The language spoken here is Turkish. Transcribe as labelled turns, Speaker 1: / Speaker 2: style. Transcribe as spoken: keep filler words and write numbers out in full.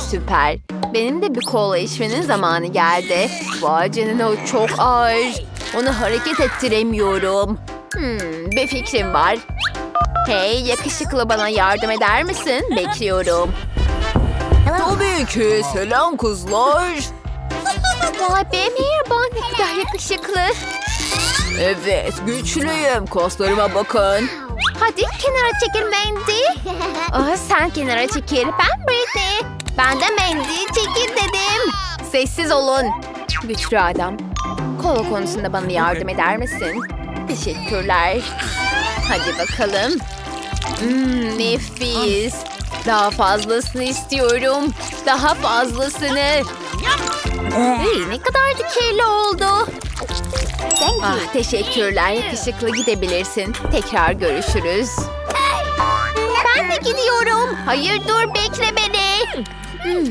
Speaker 1: Süper. Benim de bir kola içmenin zamanı geldi. Vay canına, o çok ağır. Onu hareket ettiremiyorum. Hmm, bir fikrim var. Hey yakışıklı, bana yardım eder misin? Bekliyorum. Tabii ki. Selam kızlar. Vay be, merhaba. Ne kadar yakışıklı. Evet, güçlüyüm. Kaslarıma bakın. Hadi kenara çekil Mandy. Aa, sen kenara çekil. Ben Britney. Ben de Mandy. Çekil dedim. Sessiz olun. Güçlü adam. Kola konusunda bana yardım eder misin? Teşekkürler. Hadi bakalım. Hmm, nefis. Daha fazlasını istiyorum. Daha fazlasını. Hey, ne kadar da kirli oldu. Ah, teşekkürler. Yakışıklı, gidebilirsin. Tekrar görüşürüz. Ben de gidiyorum. Hayır, dur, bekle beni. Hmm,